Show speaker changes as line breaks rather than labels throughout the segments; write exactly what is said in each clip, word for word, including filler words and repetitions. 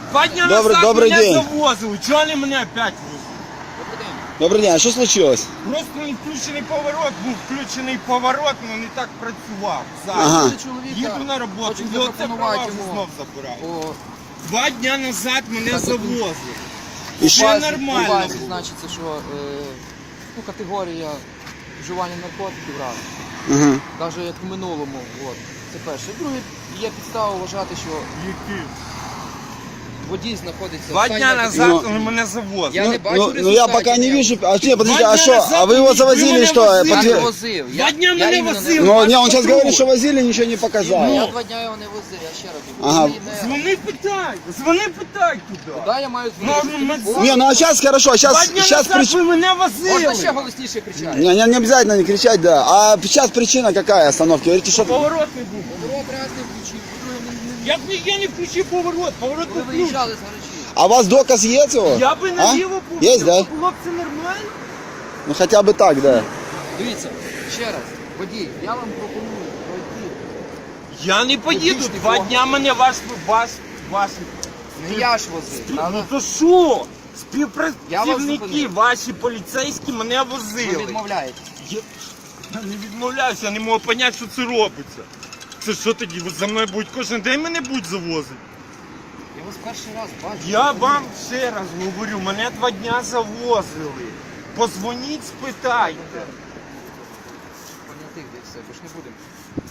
Два дня
Добрый-
назад
добрый
меня
день.
завозили. Чого вони мене опять везуть?
Добрий день, а що случилось?
Просто не включений поворот, був включений поворот, але не так працював. Зараз.
Ага.
Їду на роботу,
Хочу
і оце права
запропонувати
вже
йому.
знов забирають.
О,
Два дня назад мене
Так,
завозили.
І
Ще
що?
базі-
нормально
У базі
було.
значиться, що е, ну, категорія вживання наркотиків раз.
Ага.
Навіть як в минулому. От. Це перше. Друге, є підстава вважати, що
Які?
водій знаходиться
Два
в стані
дня
наркотичного-
назад
Ну,
вони мене завозили.
Я
Ну,
не бачу
ну, ну я
результатів,
пока не
я-
вижу. А, нет, подождите,
Два
а
дня
что?
назад
А вы его
вы
завозили,
меня
что?
возили.
Я не
Подтвер-
возив.
Два
Я,
дня
я
мене
іменно не
возили.
Ну,
Вас
не, он сейчас
патруль.
говорит, что возили, ничего не показал.
Я два дня його не возив, я ще раз говорю.
Ага.
Ми не-
Дзвони питай, дзвони питай туди.
Куди я маю
Ну,
дзвонити?
ну,
Телефон?
Не, ну а сейчас хорошо,
Два
сейчас,
дня
сейчас
назад
причина...
ви мене
Можна ще
возили.
голосніше кричати?
Не, не, не обязательно не кричать, да. А сейчас причина какая остановки? Говорите, что...
Поворот не був.
Поворот раз не включив, по-друге, не- не-
Як би я не включив поворот, поворот
ви
не включив.
виїжджали з гаражі.
А у вас доказ есть его?
Я би
А?
наліво був.
Есть, да?
Було б це нормально.
Ну хотя бы так, да.
Дивіться, ще раз, водій, я вам пропоную пройти.
Я не поїду.
Публічний
Два
фон.
дня мене ваш, ваш, ваш.
Не я ж возив,
Ну
правда?
то що?
Я вас
Співпрацівники
зупинив.
ваші поліцейські мене
Ви
возили.
відмовляєте.
Я я не відмовляюся, я не можу зрозуміти, що це робиться. Це що тоді? Ви за мною будуть кожен день мене будуть завозити?
Я вас перший раз бачу.
Я вам ще раз говорю, мене два дня завозили. Позвоніть, спитайте.
Понятих де все, бо ж не будемо.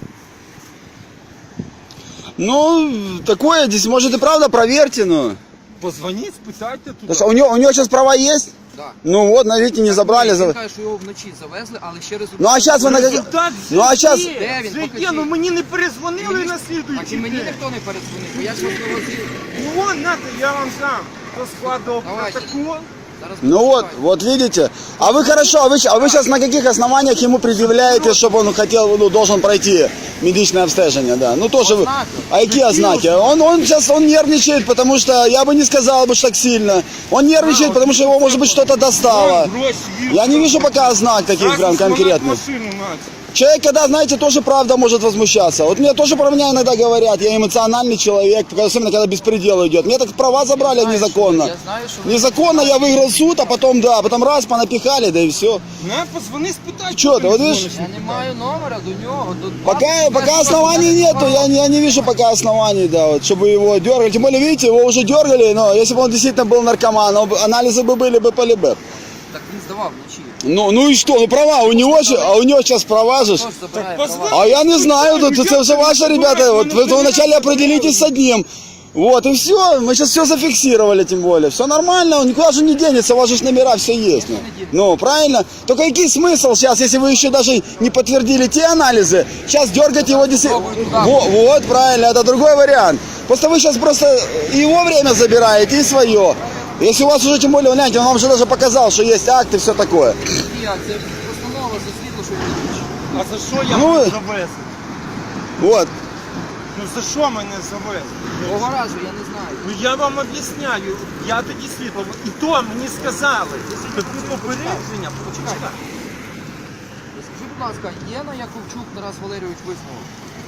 Ну, такое здесь, может и правда, проверьте, ну.
Позвоніть, спитайте туди.
Потому что у него, у него сейчас права есть?
Да.
Ну вот, видите, не забрали.
Він
за-
каже, що його вночі завезли, але ще результат.
Ну а сейчас вы на как-
Результат
Ну а
вже
сейчас...
є,
Де він?
вже є,
Покажіть.
ну мені не перезвонили
Мені-
на
Так і
слідуючий
мені
день.
ніхто не передзвонив, бо я ж вас вивозив.
Ну вон, нате, я вам сам. Хто складував
Давайте.
протокол.
Зараз
Ну вот,
почекайте.
вот видите. А вы хорошо, а вы, щ- а вы сейчас на каких основаниях ему предъявляете, чтобы он хотел, ну, должен пройти медичное обстежение, да? Ну тоже вы...
Ознаки.
А какие ознаки? Он, он сейчас, он нервничает, потому что, я бы не сказал бы, что так сильно. Он нервничает, потому что его, может быть, что-то достало.
Вон, гроші є.
Я не вижу пока ознак таких
Зразу
прям
сломать
конкретных.
машину надо.
Человек, когда, знаете, тоже правда может возмущаться. Вот мне тоже про меня иногда говорят, я эмоциональный человек, особенно когда беспредел идет. Мне так права забрали
Я знаю,
незаконно.
що- Я знаю, що ви-
Незаконно я выиграл суд, а потом, да, потом раз, понапихали, да и все.
На, позвони, спитай.
Чё ты, вот видишь?
Я не маю номера до нього. До...
Пока, пока оснований нету, я, не- я не вижу пока оснований, да, вот, чтобы его дергали. Тем более, видите, его уже дергали, но если бы он действительно был наркоман, он бы- анализы бы были бы полибы.
Так він здавав вночі.
Ну, ну и что, ну права, у него, ща- а у него сейчас права же. ж.
Хто ж забирає
Так,
права?
позвони.
А я не знаю, тут это все ваши ребята, вот вы вы вначале определитесь с одним. Вот, и все, мы сейчас все зафиксировали, тем более. Все нормально, он никуда же не денется, у вас же ж номера все есть. Ну, ну правильно? Только какой смысл сейчас, если вы еще даже не подтвердили те анализы, сейчас дергать его действительно. Вот, вот, правильно, это другой вариант. Просто вы сейчас просто и его время забираете, и свое. Если у вас уже, тем более, гляньте, он вам же даже показал, что есть акт и все такое.
Я, це постанова за світло, що він включив.
А за що я
Ну,
мене
ви-
завезли?
Вот.
Ну за що мене завезли?
Того разу я не знаю.
Ну я вам об'ясняю, я тоді світло. І то мені сказали. Таку попередження. Почекай.
Скажіть, будь ласка, є на Яковчук Тарас Валерійович висновок?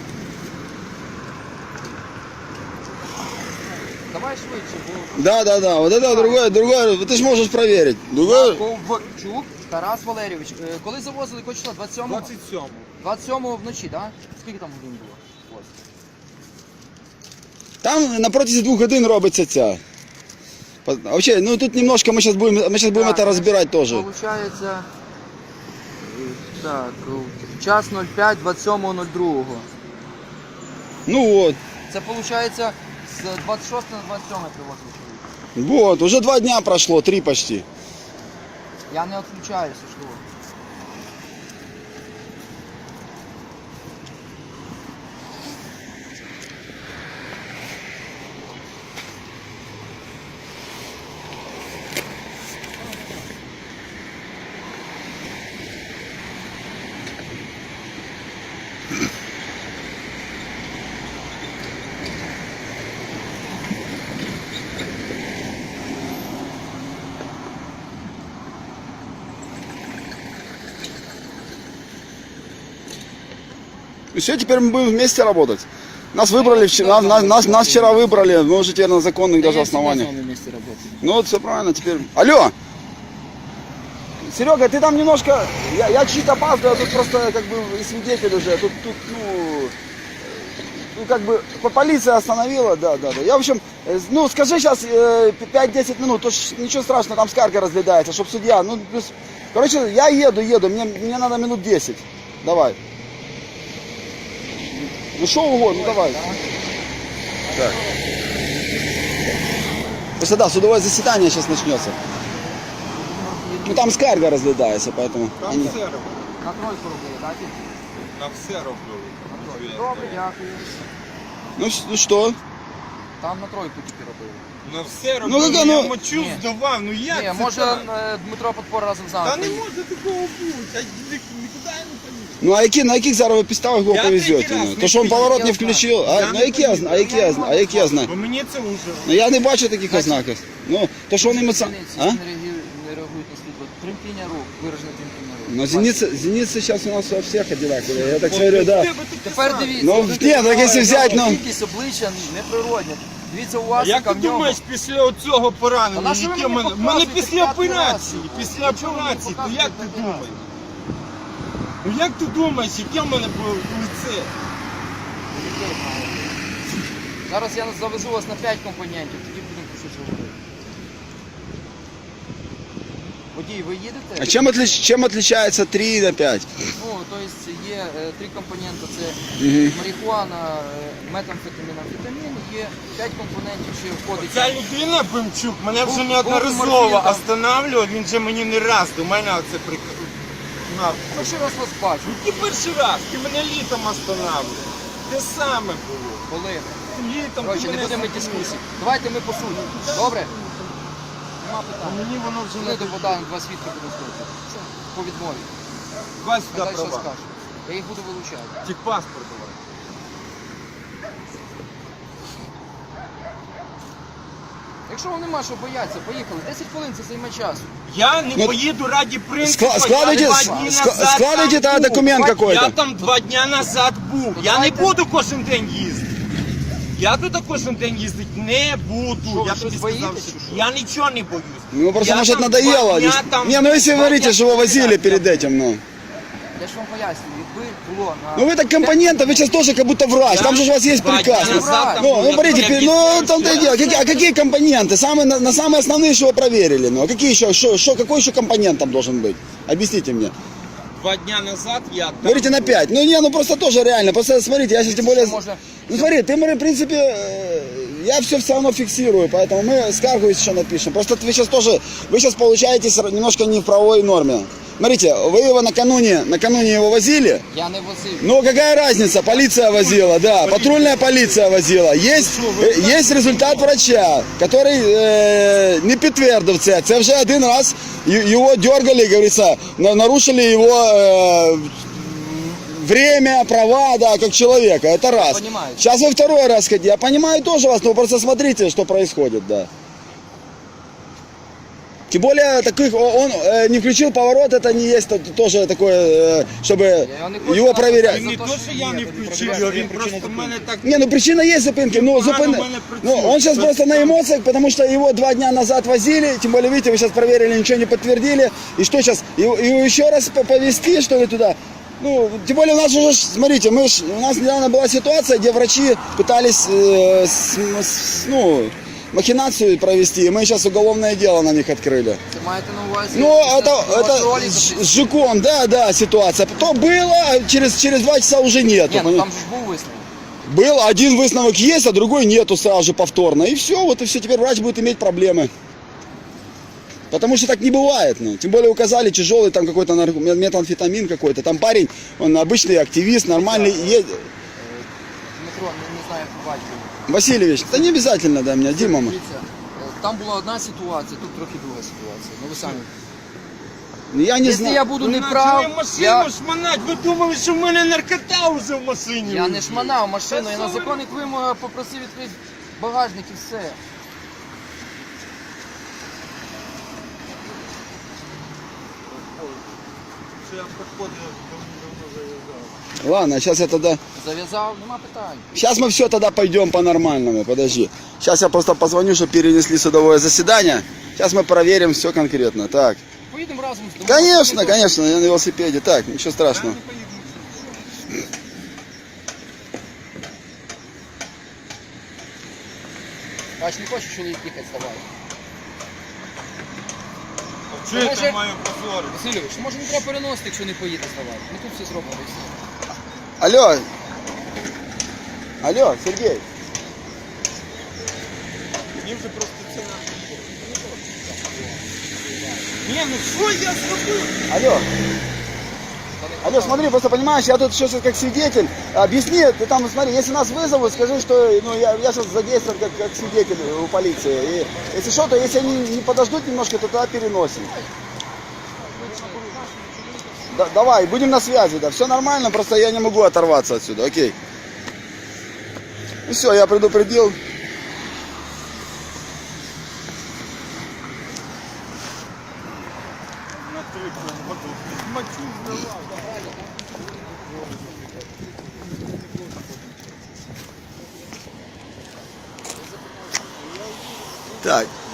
Давай швидше, бо...
Да, да, да. Вот это другое, другое. Ты же можешь проверить. Другое.
Яковчук Тарас Валерійович. Е, Коли завозили, якого числа? двадцять сьомого?
двадцять сьомого.
двадцять сьомого вночі, так? Да? Скільки там годин було? Ось.
Там на протязі двух годин робиться ця. По- а Вообще, ну тут немножко мы сейчас будем, мы сейчас будем
Так,
это разбирать тоже.
Получається, е, так, е, час нуль п'ять двадцять сьомого нуль другого.
Ну вот.
Це виходить з двадцять шостого на двадцять сьоме привозили чоловік.
Вот, уже два дня прошло, три почти.
Я не відключаюся, що?
И все, теперь мы будем вместе работать. Нас выбрали вчера, нас, нас, нас вчера выбрали, мы уже теперь на законных даже основаниях.
месте работаю.
Ну вот все правильно, теперь... Алло! Серега, ты там немножко... Я, я чуть опаздываю, тут просто как бы и свидетель уже. Тут, тут ну... Ну, как бы по- полиция остановила, да, да, да. Я, в общем, э, ну, скажи сейчас э, пять-десять минут, то ж ничего страшного, там скарга разглядается, чтоб судья, ну, плюс... Короче, я еду, еду, мне, мне надо минут десять. Давай. Ну, что угодно, ну, давай. Так. Просто, да, судовое заседание сейчас начнется. Ну, там скарга разглядается, поэтому...
Там
они-
все роблю.
На тройку робили, так?
На все роблю.
Добре, дякую.
Ну, с- ну, что?
Там на тройку тільки робили.
На все роблю.
Ну, яка,
я
ну-
мочу
Ні.
здавав, ну як
Ні,
це
може
так?
е, Дмитро Подпор разом з нами.
Та не
приїде.
може такого бути, а ні- нікуди я не поїду.
Ну, а які, на яких зараз ви підставах його
Я
повезете?
третій раз
Ну?
не
То, що він
поїду,
поворот не
я знаю.
включив? А,
Я
ну,
не
які я
поїду.
знаю, а які я знаю, а які я знаю?
Бо мені це вже.
Ну, я не бачу таких ознаків. Ну, то, що вони емоціонально...
Зениці
А?
не реагують, не реагують на світло. Тремтіння рук, виражене тремтіння рук.
Ну, зеницы, зеницы сейчас у нас у всех одинаковые. Я так смотрю, да.
Тепер дивіться.
Ну,
тут
ні, так якщо взяти, ну-
Кількість обличчя неприродня. Дивіться, у вас,
Як
яка
ти
в нього.
думаєш, після оцього
Та
поранення,
на що ви
яке
мені
мене...
показуєте
мене після
п'ятий раз?
операції, після
Чого ви мені
операції, то
показуєте
як ти
п'ятий раз?
думаєш? Ну як ти думаєш, яке в мене було лице?
Зараз я завезу вас на п'ять компонентів, тоді будемо про щось говорити. Водій, ви їдете?
А чем, отлич, чем отличается три на пять?
Ну, то есть є е, три компоненти, це
Мгм.
марихуана, е, метамфетамін, амфетамін, є п'ять компонентів, що входить.
Ця людина, Бимчук, мене вже
Був-
неодноразово
був морфін там.
останавливав, він же мені не раз до мене оце приказав.
Перший раз вас бачу.
Який перший раз? Ти мене літом останавливав. Те саме було.
Коли?
Літом
Коротше,
ти
не
мене
будемо
зупинив.
дискусії. Давайте ми по суті. Добре? Нема
А
питань.
мені воно вже
Сюди
не
до Богдана два свідки будуть слухати. Все, по відмові.
Давай сюди
Далі що
права.
скажу. Я їх буду вилучати.
Ті паспорт давай.
Якщо вам нема що боятися, поїхали. десять хвилин це займе часу.
Я не
Ну,
поїду ради принципу.
скла- складывайте-
я два
ска-
дні
ска-
назад
складывайте
там
тогда
був.
документ
Два-
какой-то.
Я там два дня назад був.
Ну,
Я
давайте-
не буду кожен день їздити. Я туди кожен день їздити не буду.
Що, ви
я
щось
тобі сказав,
боїтесь,
що
чи що?
я нічого не боюсь.
Ну, просто,
Я
может,
там
надоело.
два дня
Дес-
там-
Не, ну, если вы
два
говорите,
дня
что его возили
подряд.
перед этим, ну.
Я ж вам пояснюю, якби було на...
Ну, вы так компоненты, вы сейчас тоже как будто врач. Там же у вас есть
Два
приказ.
дня
Ну,
назад там
Ну,
був,
ну,
я
смотрите,
тобі
пи- ну,
об'ясняю,
там-то и
що-
дело. Какие, а какие компоненты? Самые, на, на самые основные, что вы проверили? Ну, а какие еще, что, что, какой еще компонент там должен быть? Объясните мне.
Два дня назад я там
Говорите на
був.
пять. Ну, не, ну, просто тоже реально. Просто смотрите, я сейчас тем более...
Можно-
Ну, смотри, ты, мы, в принципе, э, я все все равно фиксирую, поэтому мы скаргу еще напишем. Просто вы сейчас тоже, вы сейчас получаетесь немножко не в правовой норме. Смотрите, вы его накануне, накануне его возили.
Я не возив.
Ну, какая разница? Полиция возила, да, патрульная полиция возила. Есть, э, есть результат врача, который э, не підтвердив це. Це вже один раз й- его дергали, говорится, на- нарушили его э, время, права, да, как человека. Это раз.
понимаю.
Сейчас вы второй раз хотите. Я понимаю тоже вас, но просто смотрите, что происходит, да. Тем более, таких, о- он э, не включил поворот, это не есть то- тоже такое, э, чтобы
Я не хочу
его
нас
проверять.
Він не то, що я не включив його, він просто в мене так...
Не, ну причина есть зупинки, ну,
Погано
зупин...
в мене
ну
працює.
он сейчас
Це
просто на
там-
эмоциях, потому что его два дня назад возили, тем более, видите, вы сейчас проверили, ничего не подтвердили, и что сейчас, его, его еще раз по- повезти, что ли, туда? Ну, тем более у нас уже, ж, смотрите, мы ж, у нас недавно была ситуация, где врачи пытались, э, с- с- ну, махинацию провести, и мы сейчас уголовное дело на них открыли.
Це маєте на увазі?
Ну, это,
після
это
вашого ролика
с
при-
с Жуком, да, да, ситуация. То было, а через, через два часа уже нету.
Ні, ну
пони-
там же ж був висновок.
Был один выставок есть, а другой нету сразу же повторно. И все, вот и все, теперь врач будет иметь проблемы. Потому что так не бывает, ну. Тем более указали тяжелый там какой-то нарко- ме- метамфетамин какой-то. Там парень, он обычный активист, нормальный. Е-
Дмитро, не, не знаю, як побачив.
Васильевич, да не обязательно, да, меня, Дима. мы.
Дивіться, е, там була одна ситуація, тут трохи друга ситуація. Ну ви самі.
Ну, я не
Якщо
знаю.
я буду
Ви
не
почали
прав,
машину
я,
шманать, ви думали, що в мене наркота вже в машині.
я не
лежить.
шманав машину,
Та
я
що
на
ви
законних вимогах попросив відкрити багажник і все.
що я приходив, давно зав'язав.
Ладно, сейчас я тогда...
Зав'язав, нема питань.
Сейчас мы все тогда пойдем по-нормальному, подожди. Сейчас я просто позвоню, чтобы перенесли судовое заседание. Сейчас мы проверим все конкретно. Так.
Поїдемо разом з домом.
Конечно, конечно, я на велосипеде. Так, ничего страшного.
Бач, не хоче чоловік їхати, ставай.
А чого я
Може-
там маю позорити?
Васильович, може не треба переносити, якщо не поїде, ставай. Ми тут все зробимо і все.
Алло. Алло, Сергей.
Мені вже просто це не... Ні, ну що я зробив?
Алло. Алло, смотри, просто понимаешь, я тут сейчас как свидетель. Объясни, ты там, смотри, если нас вызовут, скажи, что ну, я, я сейчас задействован как, как свидетель у полиции. И, если что, то если они не подождут немножко, то тогда переносим. Да, давай, будем на связи, да. Все нормально, просто я не могу оторваться отсюда, окей. Ну все, я предупредил.
На три воду. Мочу здавав.
Так,